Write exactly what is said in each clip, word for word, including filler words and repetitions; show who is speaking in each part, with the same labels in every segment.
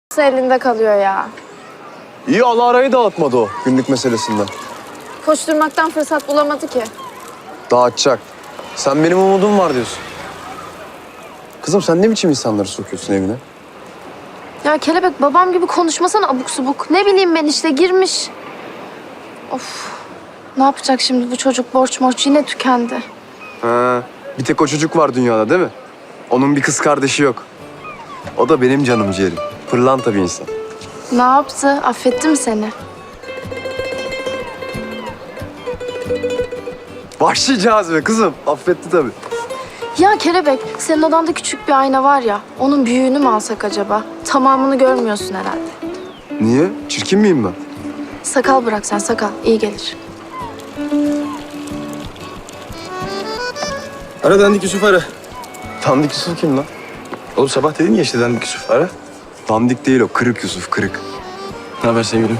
Speaker 1: elinde kalıyor ya.
Speaker 2: İyi, Allah arayı dağıtmadı o günlük meselesinden.
Speaker 1: Koşturmaktan fırsat bulamadı ki.
Speaker 2: Dağıtacak. Sen benim umudum var diyorsun. Kızım sen ne biçim insanları sokuyorsun evine?
Speaker 1: Ya kelebek babam gibi konuşmasana abuk subuk. Ne bileyim ben işte girmiş. Of. Ne yapacak şimdi bu çocuk borç morç yine tükendi.
Speaker 2: Ha, bir tek o çocuk var dünyada değil mi? Onun bir kız kardeşi yok. O da benim canım ciğerim. Pırlanta bir insan.
Speaker 1: Ne yaptı? Affetti mi seni?
Speaker 2: Başlayacağız be kızım. Affetti tabii.
Speaker 1: Ya kelebek senin odanda küçük bir ayna var ya. Onun büyüğünü mü alsak acaba? Tamamını görmüyorsun herhalde.
Speaker 2: Niye? Çirkin miyim ben?
Speaker 1: Sakal bırak sen sakal. İyi gelir.
Speaker 3: Ara Dandik Yusuf ara.
Speaker 2: Dandik Yusuf kim lan?
Speaker 3: Oğlum sabah dedin ya işte Dandik Yusuf ara.
Speaker 2: Dandik değil o. Kırık Yusuf, kırık.
Speaker 3: Ne haber sevgilim?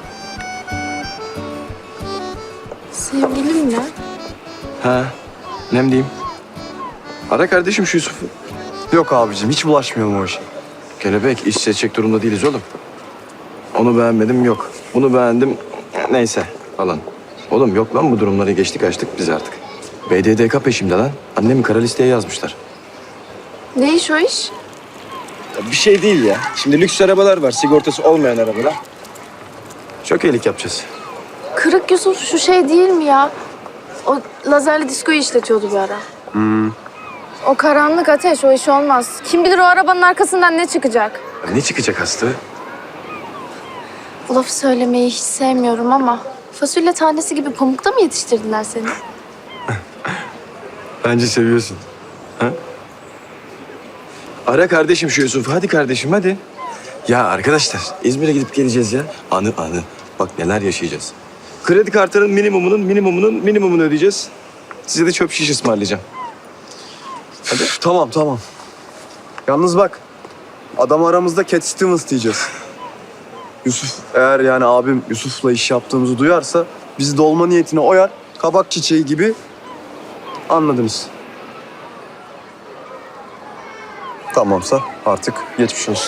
Speaker 1: Sevgilim mi?
Speaker 3: Ha, nem diyeyim. Ara kardeşim şu Yusuf'u.
Speaker 2: Yok abicim, hiç bulaşmayalım o işe.
Speaker 3: Kelebek iş seçecek durumda değiliz oğlum. Onu beğenmedim yok. Bunu beğendim neyse falan. Oğlum yok lan bu durumları geçtik açtık biz artık. B D D K peşimde lan. Annemi kara listeye yazmışlar.
Speaker 1: Ne iş o iş?
Speaker 3: Bir şey değil ya. Şimdi lüks arabalar var, sigortası olmayan arabalar. Çok iyilik yapacağız.
Speaker 1: Kırık Yusuf şu şey değil mi ya? O lazerli diskoyu işletiyordu bir ara.
Speaker 2: Hmm.
Speaker 1: O karanlık ateş, o iş olmaz. Kim bilir o arabanın arkasından ne çıkacak?
Speaker 3: Ya ne çıkacak hasta?
Speaker 1: Bu lafı söylemeyi hiç sevmiyorum ama... fasulye tanesi gibi pamukta mı yetiştirdiler seni?
Speaker 3: Bence seviyorsun. Ha? Ara kardeşim şu Yusuf. Hadi kardeşim hadi. Ya arkadaşlar İzmir'e gidip geleceğiz ya. Anı anı. Bak neler yaşayacağız. Kredi kartının minimumunun minimumunun minimumunu ödeyeceğiz. Size de çöp şiş ısmarlayacağım.
Speaker 2: Hadi. Üf, tamam tamam. Yalnız bak. Adam aramızda Cat Stevens diyeceğiz. Yusuf eğer yani abim Yusuf'la iş yaptığımızı duyarsa bizi dolma niyetine oyar. Kabak çiçeği gibi anladınız. Tamamsa artık geçmiş olsun.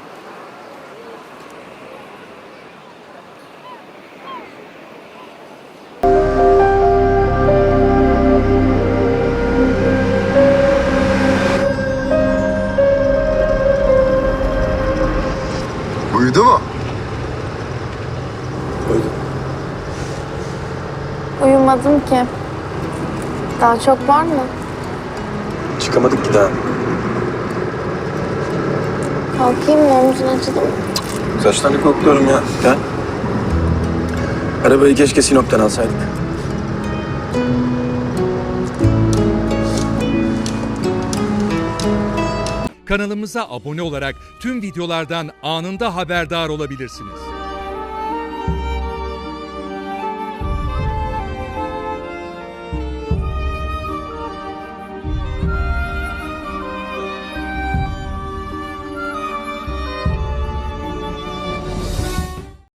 Speaker 2: Uyudu mu?
Speaker 1: Uyumadım ki. Daha çok var mı?
Speaker 3: Çıkamadık ki daha.
Speaker 1: Kalkayım mı? Omzun acıdı mı?
Speaker 3: Saçlarını kokluyorum ya. Gel. Arabayı keşke Sinop'tan alsaydık.
Speaker 4: Kanalımıza abone olarak tüm videolardan anında haberdar olabilirsiniz.